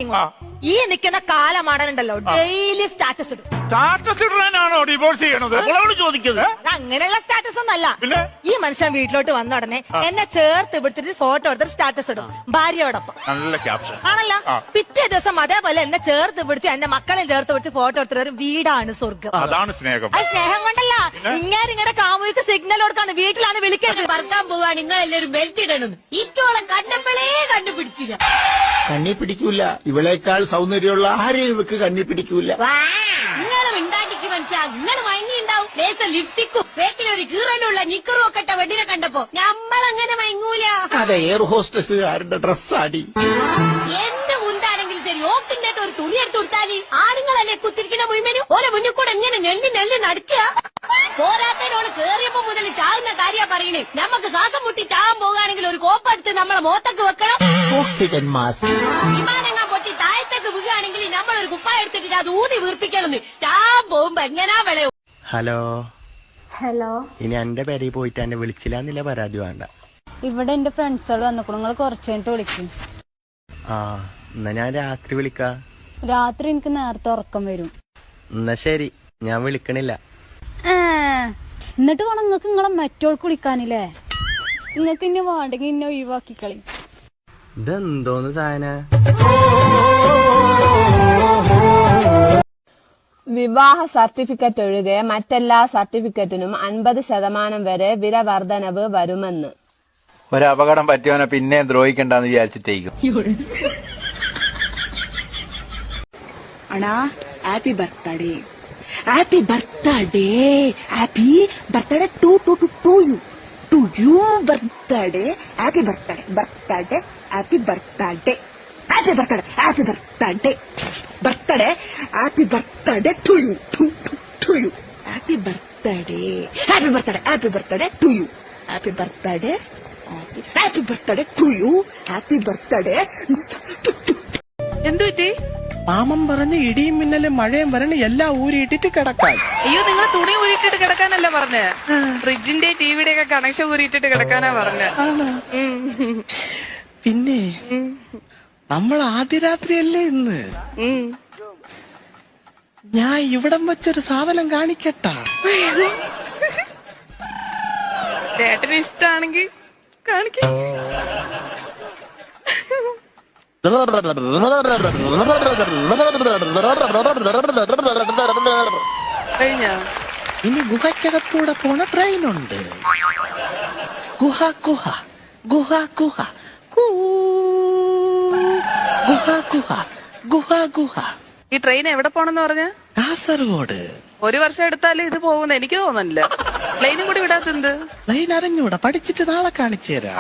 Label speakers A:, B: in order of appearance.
A: ഈ നിൽക്കുന്ന കാലമാടനുണ്ടല്ലോ ഡെയിലി സ്റ്റാറ്റസ് ഇടും.
B: സ്റ്റാറ്റസ് ഇടാനാണോ ഡിവോഴ്സ് ചെയ്യണത്?
C: ചോദിക്കുന്നത്
A: അങ്ങനെയുള്ള സ്റ്റാറ്റസ് ഒന്നല്ല.
B: പിന്നെ
A: ഈ മനുഷ്യൻ വീട്ടിലോട്ട് വന്ന ഉടനെ എന്നെ ചേർത്ത് പിടിച്ചിട്ട് ഫോട്ടോ എടുത്തിട്ട് സ്റ്റാറ്റസ് ഇടും ഭാര്യയോടൊപ്പം.
B: നല്ല ക്യാപ്ഷൻ
A: ആണല്ലോ. പിറ്റേ ദിവസം അതേപോലെ എന്നെ ചേർത്ത് പിടിച്ച് എന്റെ മക്കളെ ചേർത്ത് പിടിച്ച് ഫോട്ടോ എടുത്തിട്ട് ഒരു വീടാണ് സ്വർഗം.
B: അതാണ് സ്നേഹം.
A: അത് സ്നേഹം കൊണ്ടല്ല, ഇങ്ങനെ കാമുവിക്ക് സിഗ്നൽ കൊടുക്കാണ്, വീട്ടിലാണ് വിളിക്കുന്നത്.
D: പറക്കാൻ പോവാണ് നിങ്ങളെല്ലാരും ബെൽറ്റ് ഇടണം. ഇറ്റോളം കണ്ടപ്പോഴേ കണ്ടുപിടിച്ചില്ല.
C: കണ്ണി പിടിക്കൂല. ഇവളേക്കാൾ സൗന്ദര്യമുള്ള ആരെയും ഇവക്ക് കണ്ണി പിടിക്കൂല.
D: നിങ്ങളും ഉണ്ടാക്കിക്ക് മനസ്സിലാ. നിങ്ങൾ മയങ്ങിണ്ടാവും. ലേസർ ലിപ്സ്റ്റിക്കും വേക്കിലൊരു കീറലുള്ള നിക്കറും ഒക്കെ ഇട്ട വെഡിനെ കണ്ടപ്പോ നമ്മളങ്ങനെ മയങ്ങൂല.
C: അതെ, എയർ ഹോസ്റ്റസുകാരുടെ ഡ്രസ്സാടി.
D: എന്ത് മുണ്ടാണെങ്കിലും ശരി, ഓക്കിന്റെ ഒരു തുണി എടുത്ത് കൊടുത്താല് ആണുങ്ങളല്ലേ കുത്തിരിക്കണ മുഴുവനും ഓരോ മുന്നിൽ കൂടെ എങ്ങനെ നെല്ലി നടക്കുക. പോരാത്തതിനോട് കേറിയപ്പോ മുതൽ ചാകുന്ന കാര്യ പറയണേ. നമുക്ക് ശ്വാസം മുട്ടി ചാകാൻ പോകുകയാണെങ്കിൽ ഒരു കോപ്പെടുത്ത് നമ്മളെ മോത്തൊക്കെ വെക്കണം.
C: Oxygen mask.
D: വിമാനങ്ങൾ പൊട്ടി താഴത്തേക്ക് വീഴുകയാണെങ്കിൽ നമ്മളൊരു കുപ്പായ എടുത്തിട്ട് അത് ഊതി വീർപ്പിക്കണം. ചാൻ പോകുമ്പോ എങ്ങനാ വിളയും.
E: ഹലോ
F: ഹലോ,
E: ഇനി എന്റെ പേരിൽ പോയിട്ട് എന്നെ വിളിച്ചില്ലാന്നില്ല പരാതി വേണ്ട.
F: ഇവിടെ എന്റെ ഫ്രണ്ട്സുകൾ വന്നിക്കണു. നിങ്ങൾ കുറച്ച് കഴിഞ്ഞിട്ട് വിളിക്കും.
E: ആ എന്നാ ഞാൻ രാത്രി വിളിക്കാ.
F: രാത്രി എനിക്ക് നേരത്തെ ഉറക്കം വരും.
E: എന്നാ ശരി, ഞാൻ വിളിക്കണില്ല.
F: എന്നിട്ട് വേണം നിങ്ങൾക്ക് നിങ്ങളെ മറ്റോൾക്ക് വിളിക്കാനില്ലേ. നിങ്ങൾക്ക് ഇന്നെ വേണ്ടെങ്കിൽ ഇന്നെ ഒഴിവാക്കി കളി.
E: ഇതെന്തോന്ന് സാധന?
G: വിവാഹ സർട്ടിഫിക്കറ്റ് ഒഴികെ മറ്റെല്ലാ സർട്ടിഫിക്കറ്റിനും 50% വരെ വില വർധനവ് വരുമെന്ന്.
H: ഒരപകടം പറ്റിയവനെ പിന്നെ ദ്രോഹിക്കണ്ടെന്ന് വിചാരിച്ചിട്ടേക്കും.
I: അണ്ണാ, happy birthday, happy birthday, happy birthday to you birthday, happy birthday, birthday, happy birthday, happy birthday, happy birthday, birthday, happy birthday to you, to you, happy birthday, happy birthday, happy birthday to you, happy birthday, happy birthday to you, happy birthday.
J: എന്തു പറ്റി?
K: മാമൻ പറഞ്ഞ് ഇടിയും മിന്നലും മഴയും വരണ എല്ലാം ഊരിയിട്ടിട്ട് കിടക്കാൻ.
J: അയ്യോ, നിങ്ങൾ തുണി ഊരിയിട്ടിട്ട് കിടക്കാനല്ല പറഞ്ഞ്, ഫ്രിഡ്ജിന്റെ ടിവിയുടെ ഒക്കെ കണക്ഷൻ ഊരിയിട്ടിട്ട് കിടക്കാനാ പറഞ്ഞ്.
K: പിന്നെ നമ്മൾ ആദ്യ രാത്രിയല്ലേ ഇന്ന്. ഞാൻ ഇവിടം വെച്ചൊരു സാധനം കാണിക്കട്ടാ.
J: ചേട്ടന് ഇഷ്ടാണെങ്കി കാണിക്ക. കഴിഞ്ഞോ?
K: ഇനി ഗുഹയ്ക്കകത്തൂടെ പോണ ട്രെയിനുണ്ട്. ഗുഹ ഗുഹ ഗുഹ ഗുഹ ഗുഹ ഗുഹ ഗുഹ ഗുഹ.
J: ഈ ട്രെയിൻ എവിടെ പോണെന്ന് പറഞ്ഞ?
K: കാസർഗോഡ്.
J: 1 വർഷം എടുത്താലേ ഇത് പോകുന്ന എനിക്ക് തോന്നുന്നില്ല. പ്ലെയിനും കൂടി വിടാത്തെന്ത്?
K: ട്രെയിൻ അറിഞ്ഞൂടാ, പഠിച്ചിട്ട് നാളെ കാണിച്ചു തരാം.